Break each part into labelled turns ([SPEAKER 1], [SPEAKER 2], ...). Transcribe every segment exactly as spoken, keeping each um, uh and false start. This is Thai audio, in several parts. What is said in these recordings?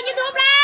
[SPEAKER 1] ยูทูบแล้ว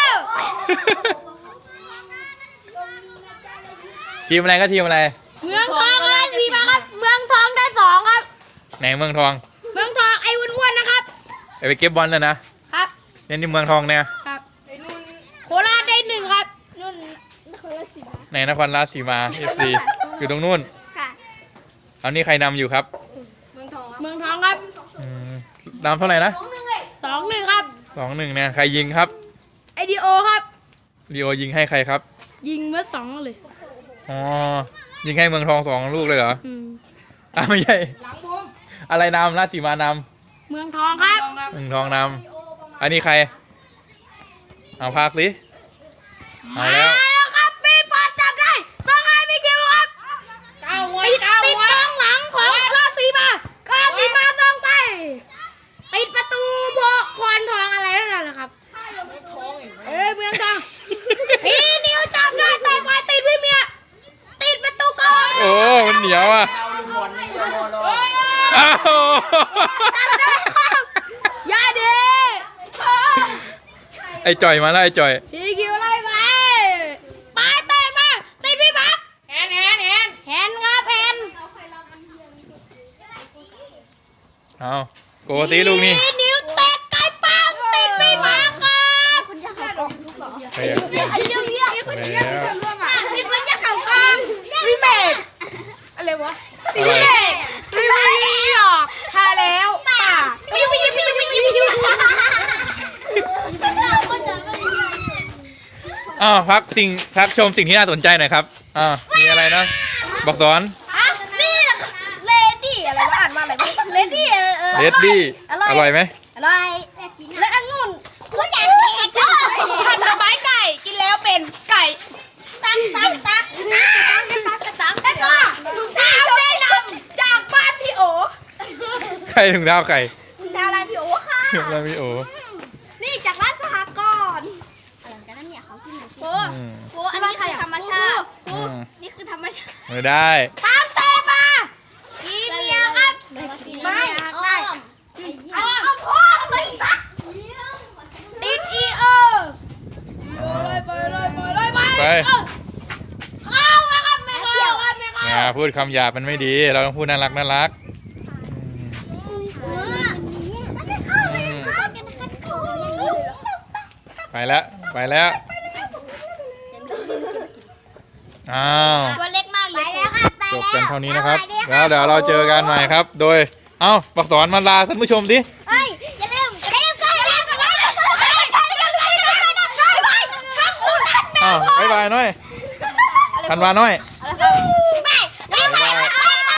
[SPEAKER 2] ทีมอะไรก็ทีมอะไร
[SPEAKER 1] เมืองทองได้สี่มาครับเมืองทองได้สองครับ
[SPEAKER 2] ไหนเมืองทอง
[SPEAKER 1] เมืองทองไอ้อ้วนๆนะครับ
[SPEAKER 2] ไปเก็บบอลเลยนะครับเนี่ยนี่เมืองทองเนี่ย
[SPEAKER 1] ครับโคราชได้หนึ่งครับนุ่นนครราชสีมา
[SPEAKER 2] ไหนนครราชสีมาเอฟซีอยู่ตรงนู้น
[SPEAKER 1] ค่ะ
[SPEAKER 2] เอานี่ใครนำอยู่ครับ
[SPEAKER 1] เมืองทองเมืองทองครับ
[SPEAKER 2] นำเท่าไหร่นะ
[SPEAKER 1] สองหนึ่งครับ
[SPEAKER 2] สองหนึ่งเนี่ยใครยิงครับ
[SPEAKER 1] ไอดีโอครับ
[SPEAKER 2] ดีโอยิงให้ใครครับ
[SPEAKER 1] ยิงเมื่อสองเลย
[SPEAKER 2] อ๋อยิงให้เมืองทองสองลูกเลยเหรออ่ะไม่ใช่อะไรนำราชสีมาน
[SPEAKER 1] ำเมืองทองครับ
[SPEAKER 2] เมืองทองนำอันนี้ใครเอาพากสิเอาแล้ว
[SPEAKER 1] ครับมีฟาดจับได้สองไอพีคิวครับเก้าหัวติดติดกองหลังของราชสีมาราชสีมาต้องไปติดประตูโพคอนทองอะไรนั่นแหละครับเอ้ยเมืองทองพี่นิวจับได้แต่ไปติดพี่เมียติดประตูกอง
[SPEAKER 2] โอ้มันเหนียวอ่ะอ้าว
[SPEAKER 1] จับได้ครับยาดี
[SPEAKER 2] ไอ้จ่อยมาแล้วไอ้จ่อย
[SPEAKER 1] พี่คิวไล่ไปไปเตะมาติดพี่บักแฮนแฮนแฮนแฮนครับแฮน
[SPEAKER 2] เอาโกตีลูกนี่
[SPEAKER 1] นิ้วเตะไกลปังติดพี่บักครับคุณจะเข้ากองทุกหรอ
[SPEAKER 2] ไอ้เรื่อง
[SPEAKER 1] ไอ้เรื่องนี้คุณจะเข้ากองพี่คุณจะเข้ากองพี่เมดอะไรวะพี่เมดพี่เมดหรอกทาแล้วป่าพี่พี่พี่พี่พี่พี่
[SPEAKER 2] อ้าวพักสิ่งพักชมสิ่งที่น่าสนใจหน่อยครับอ่ามีอะไรนะบอกสอน
[SPEAKER 1] นี่แหละเลดี้อะไรวะอ่านมาอะไรเลดี้
[SPEAKER 2] เลดี้อร่อยไหม
[SPEAKER 1] อร่อยและองุ่นก็อยากแข่งก็ผัดสบายไก่กินแล้วเป็นไก่ตักตักตักตักตักตักตักแล้วก็ถุงเท้าได้นำจากบ้านพี่โอ
[SPEAKER 2] ใครถุงเท้าใคร
[SPEAKER 1] ถุงเท้าร้านพี่โอค่ะ
[SPEAKER 2] ร้านพี่โอ
[SPEAKER 1] นี่จากร้านสหกรณ์อะไรกันนั่นเนี่ยเขากินโอ้โหอันนี้คือธรรมชาตินี่คือธรรมชาติ
[SPEAKER 2] ไม่ได้
[SPEAKER 1] ตามเตะมาอีเมียครับไม่ได้เอาพ่อไปซักติดอีเออไปเลยไปเลยไปเลยไปเข้ามาครับไม่เข้าครับไม่เข้า
[SPEAKER 2] อย่าพูดคำหยาบมันไม่ดีเราต้องพูดน่ารักน่ารักไปแล้วไปแล้วอ้าว
[SPEAKER 1] ตัวเล็กมากเลย
[SPEAKER 2] จบกันเท่านี้นะครับแล้วเดี๋ยวเราเจอกันใหม่ครับโดยเอ้าปักสอนมาลาท่านผู้ชมดิ
[SPEAKER 1] เฮ้ยอย่าลืมอย่าลืมอย่าลืมอย่าลืมอย่าลืมอย่าลืมอย่าลืมอย่าลืม
[SPEAKER 2] อ้าวบ๊ายบายหน่อยธันวาหน่อย